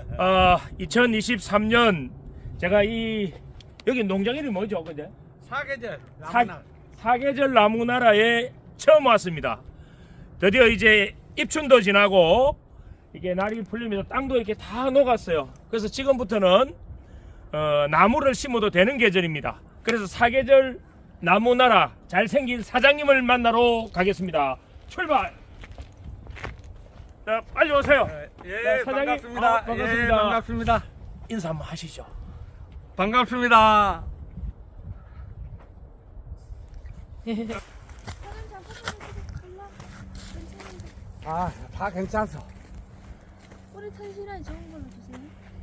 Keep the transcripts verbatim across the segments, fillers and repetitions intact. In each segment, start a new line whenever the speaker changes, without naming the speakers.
어, 이천이십삼 년 제가 이 여기 농장 이름이 뭐죠, 근데?
사계절
사,
나무나.
사계절 나무나라에 처음 왔습니다. 드디어 이제 입춘도 지나고 이게 날이 풀리면서 땅도 이렇게 다 녹았어요. 그래서 지금부터는 어, 나무를 심어도 되는 계절입니다. 그래서 사계절 나무나라 잘생긴 사장님을 만나러 가겠습니다. 출발! 자, 빨리 오세요.
예,
네, 사장님.
반갑습니다.
아, 반갑습니다.
예, 반갑습니다.
인사 한번 하시죠.
반갑습니다. 아, 다 괜찮소.
꼬리 탄실한 좋은 걸로 주세요.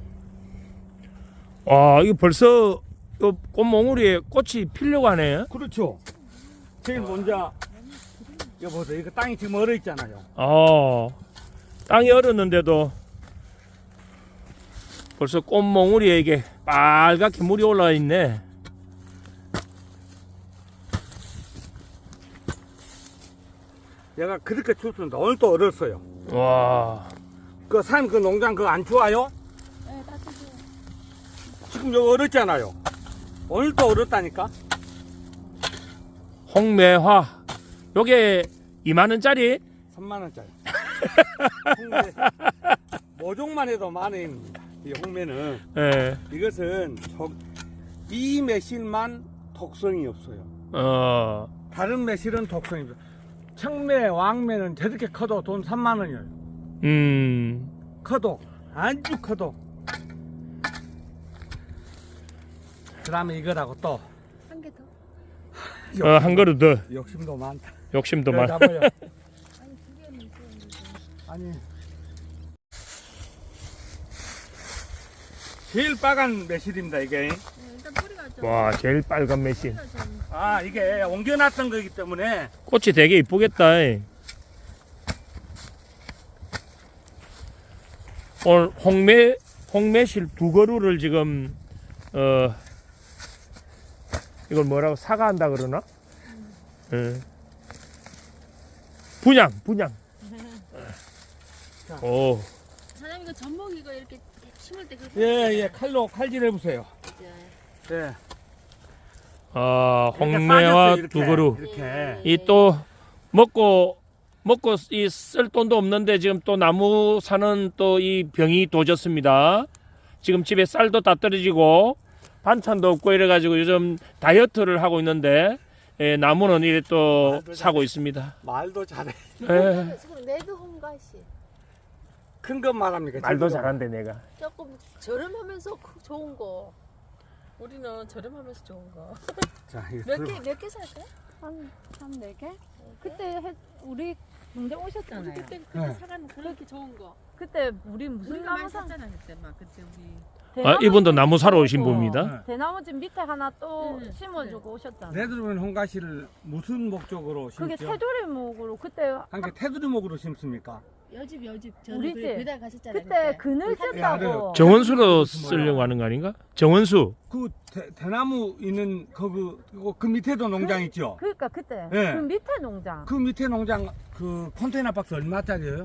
와, 이거 벌써 이 꽃몽우리에 꽃이 피려고 하네.
그렇죠. 제일 먼저 여보세요. 이거 땅이 지금 얼어 있잖아요.
어, 땅이 얼었는데도 벌써 꽃몽우리에 이게 빨갛게 물이 올라와 있네.
얘가 그렇게 춥습니다. 오늘 또 얼었어요.
와,
그 산 그 농장 그거 안 추워요?
네, 따뜻해요.
지금 여기 얼었잖아요. 오늘 또 얼었다니까.
홍매화. 요게 이만 원짜리?
삼만 원짜리. 홍매. 모종만 해도 만 원입니다. 이 홍매는.
예.
이것은 저, 이 매실만 독성이 없어요.
어,
다른 매실은 독성이 없어요. 청매, 왕매는 저렇게 커도 돈 삼만 원이에요.
음,
커도, 아주 커도. 그 다음에 이거라고 또.
한 개 더.
어, 한 그릇 더.
욕심도 많다.
욕심도
그래,
많아.
잡아요.
아니, 두 개는 있어요.
아니. 제일 빨간 매실입니다, 이게.
네, 일단 뿌리가 좀.
와, 제일 빨간 매실.
뿌리가 좀.
아, 이게 옮겨놨던 거기 때문에.
꽃이 되게 이쁘겠다. 이. 오늘 홍매 홍매실 두 그루를 지금 어 이걸 뭐라고 사과한다 그러나? 예. 분양 분양. 오,
사장님 이거 전복 이거 이렇게 심을 때 그렇게.
예, 예, 칼로 칼질 해보세요.
네.
예.
아,
이렇게
홍매와
싸졌어요, 이렇게.
두 그루.
이렇게.
이 또 먹고 먹고 이 쓸 돈도 없는데 지금 또 나무 사는 또 이 병이 도졌습니다. 지금 집에 쌀도 다 떨어지고 반찬도 없고 이래가지고 요즘 다이어트를 하고 있는데 예, 나무는 이래 또 사고 있습니다.
말도 잘해.
예.
지금 레드 홍가시.
큰 것 말합니까?
말도
제주도.
잘한대 내가.
조금 저렴하면서 크- 좋은 거. 우리는 저렴하면서 좋은 거.
자, 이거
몇
들어봐.
개 몇 개 살까요?
한, 한 네 개? 그때 해, 우리 농장
우리
오셨잖아요.
그때 그때
네.
사가는 그렇게 좋은 거.
그때 우리 무슨
우리가
나무
많이
산?
샀잖아 그때 막 그때 우리.
아, 이분도 나무 사러 오신
심어주고,
분입니다.
대나무집 밑에 하나 또
응,
심어주고 오셨잖아요.
레드루멘 홍가시를 무슨 목적으로
그게
심죠?
테두리목으로 그때
한게 테두리목으로 심습니까?
여집 여집
우리
저는
집.
배달 갔었잖아요.
그때 그늘
예, 알아요.
쬐다고
정원수로 쓰려고 하는 거 아닌가? 정원수.
그 대, 대나무 있는 거기 그, 그 밑에도 농장 있죠?
그러니까 그때
예.
그 밑에 농장
그 밑에 농장 그 컨테이너 박스 얼마짜리예요?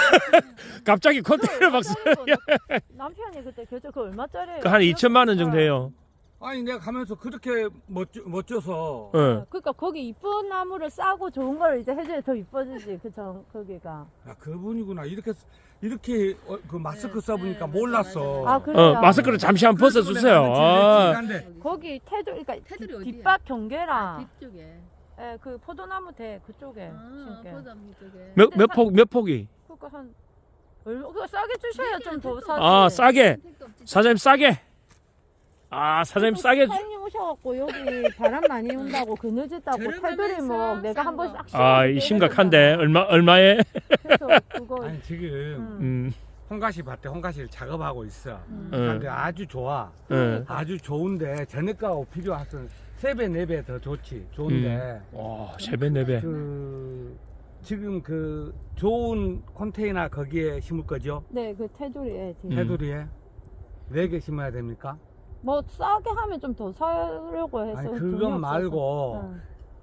갑자기 컨테이너 박스.
남편이 그때 결제 그 얼마짜리예요?
한 이천만 원 정도 해요.
아니 내가 가면서 그렇게 멋져, 멋져서
예.
그러니까 거기 이쁜 나무를 싸고 좋은 걸 이제 해줘야 더 이뻐지지 그정 거기가.
야, 그분이구나 이렇게 이렇게 어, 그 마스크
네,
써보니까
네,
몰랐어.
아 그래.
어, 마스크를 잠시 한번 벗어 주세요. 아,
거기 테두리 그러니까
테두리
뒷-
어디야?
뒷밭 경계랑
뒤쪽에.
예, 그 포도나무 대 그쪽에
아,
심게.
포담 쪽에.
몇 몇 폭 몇 폭이?
그거 한 얼마 그거 싸게 주셔야 좀 더 사지.
아, 싸게.
택도 없지.
사장님 싸게. 아, 사장님 싸게. 주-
사장님 오셔갖고 여기 바람 많이 온다고 그늘졌다고
저렴하면서
테두리 뭐 내가
싼
한번
거.
싹
아, 이 심각한데 얼마 얼마에?
그래서 그거
아니 지금
음.
음,
홍가시 밭에 홍가시를 작업하고 있어.
음.
어.
근데 아주 좋아.
예.
아주 좋은데 전액가 필요하선 세 배 네 배 더 좋지. 좋은데
와, 세 배, 네 배.
그 지금 그 좋은 컨테이너 거기에 심을 거죠?
네, 그 테두리에 뒤에.
음.
테두리에 네 개 심어야 됩니까?
뭐 싸게 하면 좀 더 사려고 해서
아니
돈이
그건
없어서.
말고
응.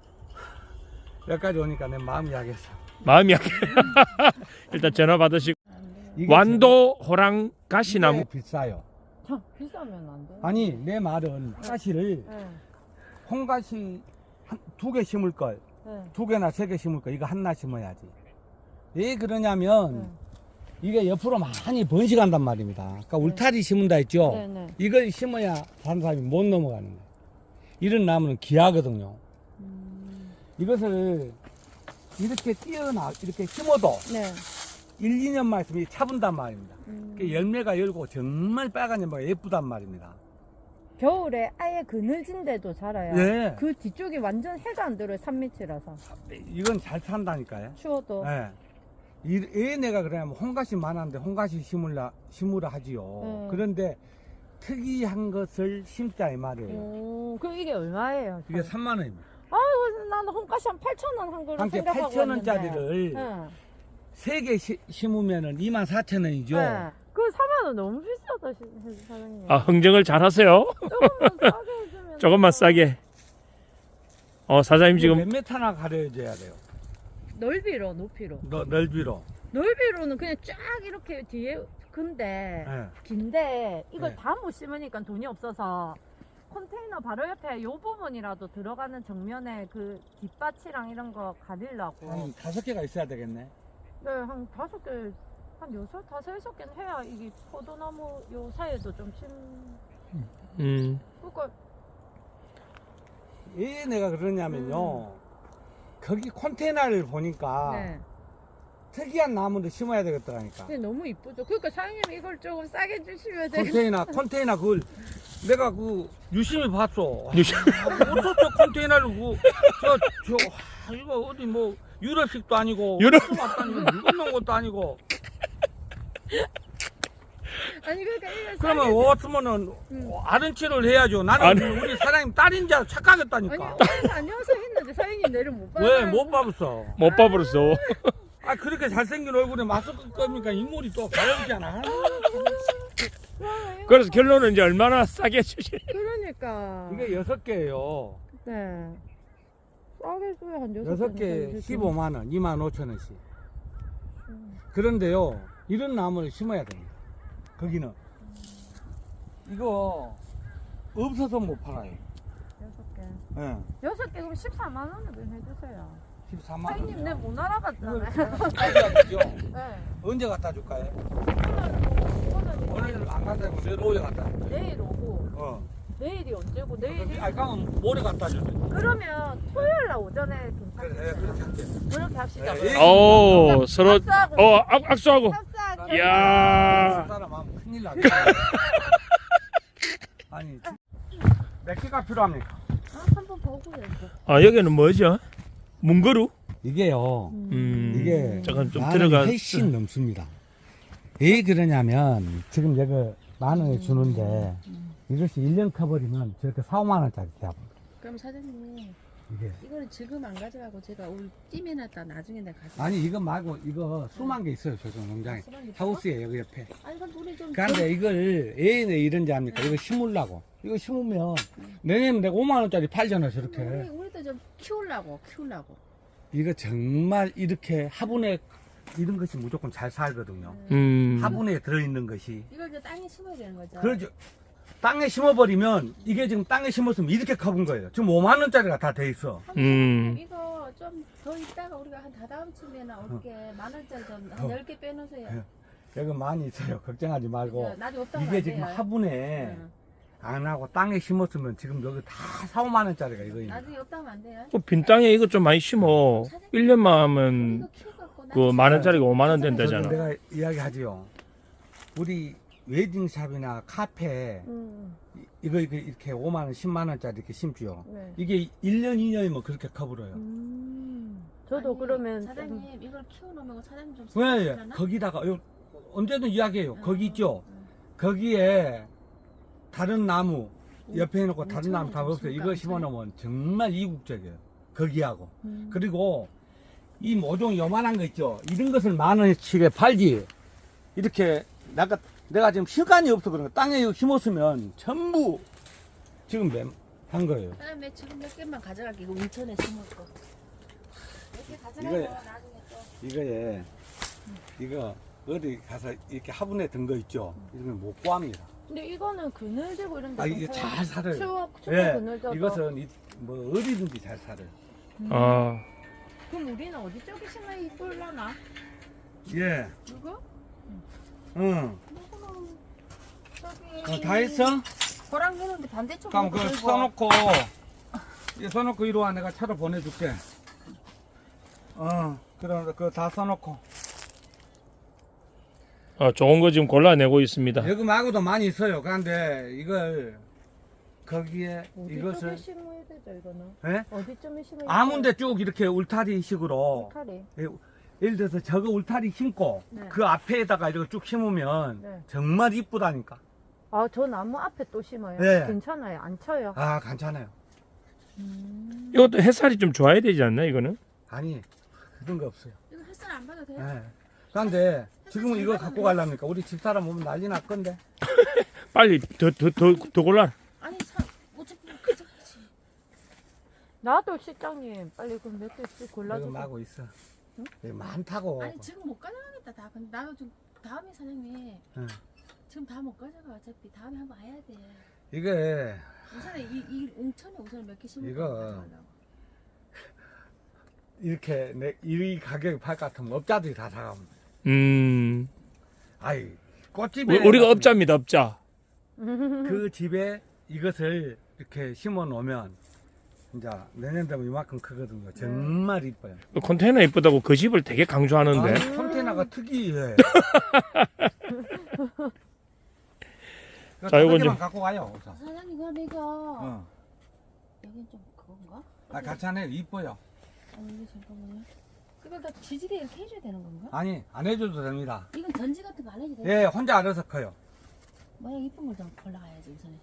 여기까지 오니까 내 마음이 약했어.
마음이 약해. 일단 전화 받으시고
이게
완도 호랑 가시나무.
이게 비싸요.
참 비싸면 안 돼.
아니 내 말은 가시를
네.
홍가시 두 개 심을 걸,
네.
두 개나 세 개 심을 걸, 이거 하나 심어야지. 왜 그러냐면
네.
이게 옆으로 많이 번식한단 말입니다. 그러니까 울타리 심은다 했죠.
네, 네.
이걸 심어야 다른 사람이 못 넘어가는 거예요. 이런 나무는 귀하거든요.
음.
이것을 이렇게 띄어나 이렇게 심어도
네.
일, 이 년만 있으면 차분단 말입니다.
음.
그 열매가 열고 정말 빨간 열매가 예쁘단 말입니다.
겨울에 아예 그늘진데도 자라요.
예.
그 뒤쪽이 완전 해가 안 들어요. 산밑이라서.
이건 잘 산다니까요.
추워도.
예. 이, 왜 내가 그러냐면 홍가시 많았는데 홍가시 심으라, 심으라 하지요.
음.
그런데 특이한 것을 심자 이 말이에요.
오, 그럼 이게 얼마예요?
이게 삼만 원입니다.
아이고, 나는 홍가시 한 팔천 원 한 그릇
한 개
생각하고
팔천 원짜리를
네.
세 개 심으면은 이만 사천 원이죠.
네. 그 사만 원 너무 비싸다, 시- 사장님.
아, 흥정을 잘 하세요.
조금만 싸게 해주면.
조금만 싸게. 어, 사장님 지금
몇 메타나 가려줘야 돼요.
넓이로, 높이로.
너, 넓이로.
넓이로는 그냥 쫙 이렇게 뒤에 근데
예.
긴데 이걸
네.
다 못 심으니까 돈이 없어서 컨테이너 바로 옆에 요 부분이라도 들어가는 정면에 그 뒷밭이랑 이런 거 가리려고.
한 다섯 개가 있어야 되겠네.
네, 한 다섯 개, 한 여섯, 다섯, 여섯 개는 해야 이게 포도나무 요 사이에도 좀 심.
음.
그러니까
왜 내가 그러냐면요. 거기 컨테이너를 보니까
네,
특이한 나무를 심어야 되겠더라니까.
근데 너무 이쁘죠. 그러니까 사장님 이걸 조금 싸게 주시면 되겠.
컨테이너, 컨테이너 그걸 내가 그 유심히 봤어.
유심-
어쩌죠 컨테이너를 그, 저, 저, 아, 이거 어디 뭐 유럽식도 아니고,
유럽-
맛도 아니고, 물건 넣은 것도 아니고.
아니 그러니까 이거
그러면
싸게.
왔으면은
음.
아른치를 해야죠. 나는
아른-
우리 사장님 딸인 줄
아니
착각했다니까.
오늘 다녀서 했는데 사장님 내를 못 받아.
왜 못 봐봤어?
못 봐버렸어.
아 그렇게 잘생긴 얼굴에 마스크 꺼니까 인물이 또 가렵잖아.
그래서 결론은 이제 얼마나 싸게 주실.
그러니까.
이게 여섯 개예요.
네. 싸게 줘야 한 여섯,
여섯 개
개는
십오만 원, 이만 오천 원씩.
음.
그런데요, 이런 나무를 심어야 됩니다. 거기는 이거 없어서 못 팔아요.
여섯 개.
예.
여섯 개 그럼 십사만 원으로 해주세요.
십사만 원.
사장님 내 못 알아봤잖아요.
갖다 주죠.
네.
언제 갖다 줄까요?
오늘
오늘 안 갖다 주고 내일 오후에 갖다 줄게요.
내일 오고
어.
내일이 언제고 내일이
아니, 그러면 모레 갖다 줄게.
그러면 토요일 날 오전에
그래, 예,
괜찮겠어요.
그렇게 할게.
그렇게 합시다.
예, 예.
오, 서로
악수하고.
어, 악, 악수하고.
합사하게.
이야.
사람 하면 큰일 나네. 아니, 몇 개가 필요합니까?
아, 한번 보고요. 이제.
아, 여기는 뭐죠? 문거루?
이게요.
음.
이게
잠깐 좀
만
들어가.
원이 훨씬 넘습니다. 왜 그러냐면 지금 여기 만 원에 주는데 이것이 일 년 커버리면 저렇게 사오만 원짜리 돼요.
그럼 사장님
이게
이거는 지금 안 가져가고 제가 올 찜해놨다 나중에 내가 가져.
아니 이거 말고 이거 수만 개 있어요. 저쪽 농장에
수만 개 있어요?
하우스에 여기 옆에.
아 이건 우리 좀.
그런데 이걸 왜 이런지 압니까? 이거 심으려고. 이거 심으면 내년에 내가 오만 원짜리 팔잖아
우리
저렇게.
우리도 좀 키우려고 키우려고.
이거 정말 이렇게 화분에 이런 것이 무조건 잘 살거든요.
음.
화분에 들어있는 것이.
이걸 이제 땅에 심어야 되는 거죠.
그러죠. 땅에 심어버리면 이게 지금 땅에 심었으면 이렇게 커본 거예요. 지금 오만 원짜리가 다 돼 있어.
음.
이거 좀 더 있다가 우리가 한 다다음 쯤에는 올게 만 원짜리 좀
어.
한 열 개 빼놓으세요.
예. 여기 많이 있어요. 걱정하지 말고.
그죠? 나중에 없다고
이게
안
지금
돼요.
화분에
응.
안 하고 땅에 심었으면 지금 여기 다 사, 오만 원짜리가 이거입니다.
나중에 없다면 안 돼요.
그 빈 땅에 이거 좀 많이 심어. 일 년만 하면
이거 키워갖고
그 만 원짜리가 오만 원
저도
된다잖아.
내가 이야기하지요. 우리 웨딩샵이나 카페
음,
이- 이거 이거 이렇게 오만 원, 십만 원짜리 이렇게 심지요.
네.
이게 일 년, 이 년이면 그렇게 커버려요.
음, 저도
아니,
그러면
사장님 이걸 키워놓으면 사장님 좀
왜?
사주시려나?
거기다가 요- 언제든 이야기해요.
응,
거기 있죠.
응.
거기에 다른 나무 옆에 해놓고 다른
엄청
나무 다
엄청
없어요. 이거
엄청
심어놓으면 정말 이국적이에요. 거기하고.
음.
그리고 이 모종 요만한 거 있죠. 이런 것을 만 원치게 팔지. 이렇게 내가 내가 지금 시간이 없어 그런 거 땅에 이거 심었으면 전부 지금 매- 한 거예요.
사장님 지금 몇 개만 가져갈게. 이거 인천에 심을 거. 몇 개 가져가요.
이거에-
나중에 또.
이거에 이거 어디 가서 이렇게 화분에 든 거 있죠. 이러면 못 구합니다.
근데 이거는 그늘지고 이런 데
아 이게 잘 살아요.
추워 추워
예,
그늘져도.
이것은 이, 뭐 어디든지 잘 살아요.
음.
아,
그럼 우리는 어디 쪽에 심어야 이쁠라나?
예,
이거?
응.
이거는 저기
어, 다 했어?
고랑 되는데 반대쪽
그럼 그 써놓고 이 써놓고 이리 와. 내가 차로 보내줄게. 어, 그럼 그 다 써놓고.
아, 좋은 거 지금 골라내고 있습니다.
여기 말고도 많이 있어요. 그런데 이걸 거기에
어디
이것을
쪽에 심어야 되죠 이거는?
예?
어디쯤에 심어야
아무데 쭉 이렇게 울타리식으로
칼이.
예, 예를 들어서 저거 울타리 심고
네.
그 앞에다가 이렇게 쭉 심으면
네.
정말 이쁘다니까.
아, 저 나무 앞에 또 심어요.
네.
괜찮아요. 안 쳐요.
아, 괜찮아요.
음.
이것도 햇살이 좀 좋아야 되지 않나, 이거는?
아니, 그런 거 없어요.
이거 햇살 안 받아도 돼요?
예. 그런데 지금은 이거 갖고 가려니까 우리 집사람 오면 난리 날 건데.
빨리 더, 더, 더, 더 골라.
아니 사, 어차피 가져가야지.
나도 실장님 빨리 그럼 몇 개씩
여기
골라주세요.
마고 있어. 여기 많다고.
아니 지금 못 가져가겠다 다. 근데 나도 좀 다음에 사장님
예.
지금 다 못 가져가. 어차피 다음에 한번 와야 돼.
이게
우선에 이, 이 웅천에 우선 몇 개 심을
이거
거 가져가려고.
이렇게 내, 이 가격에 팔 것 같으면 업자들이 다 사가면.
음,
아이, 꽃집에.
우- 우리가 업자입니다, 업자.
그 집에 이것을 이렇게 심어 놓으면 이제 내년 되면 이만큼 크거든요. 정말 이뻐요.
그 컨테이너 이쁘다고 그 집을 되게 강조하는데.
아니, 컨테이너가 특이해.
자, 요건
만
좀-
갖고 가요. 우선.
사장님 그럼 이거
어.
여긴 좀 그건가?
아, 괜찮아요. 이뻐요.
아니 이게 잠깐만요. 이걸 다 지지대 이렇게 해줘야 되는 건가?
아니, 안 해줘도 됩니다.
이건 전지 같은 거 안 해도 돼?
예, 혼자 알아서 커요.
모양 이쁜 걸 좀 골라가야지 우선에.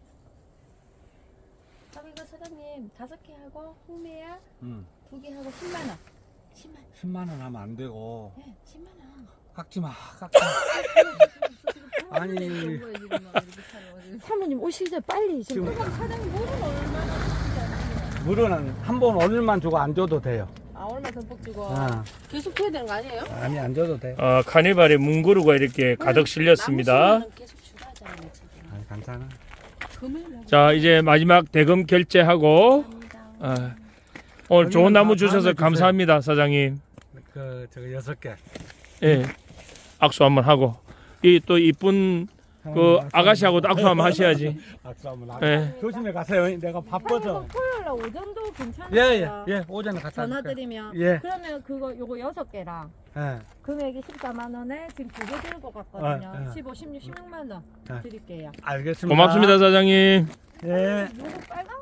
그럼 이거 사장님 다섯 개 하고 홍매야
음.
두 개 하고 십만 원. 십만 원.
십만 원 하면 안 되고.
네, 십만 원.
깎지 마, 깎지 마. 아니.
사모님 오시기 전에 빨리 지금
지금
그럼 사장님 물은 얼마나 주시지 않나요?
물은 한 번 오늘만 주고 안 줘도 돼요.
아 얼마 듬뿍 주고
아,
계속 해야 되는 거 아니에요?
아니, 안 줘도 돼.
아, 카니발에 문구루가 이렇게 가득 실렸습니다.
남으시면은 계속 주라잖아요 지금.
아니, 괜찮아.
금요일
자, 이제 마지막 대금 결제하고,
감사합니다.
아, 오늘 좋은 나무 주셔서 감사합니다, 사장님.
그, 저거 여섯 개.
예, 악수 한번 하고. 이 또 이쁜 그 아가씨하고도 악수 한번 하셔야지.
악수 한번 하고.
예.
조심해 가세요. 내가 바빠서.
토요일 날 오전도 괜찮아요.
예, 예, 예. 오전에 갔다
전화
올게요.
드리면.
예.
그러면 그거 요거 여섯 개랑
예.
금액이 십사만 원에 지금 두 개 들고 갔거든요.
어, 어.
십오, 십육, 십육만 원
어.
드릴게요.
알겠습니다.
고맙습니다, 사장님.
예.
요거 빨간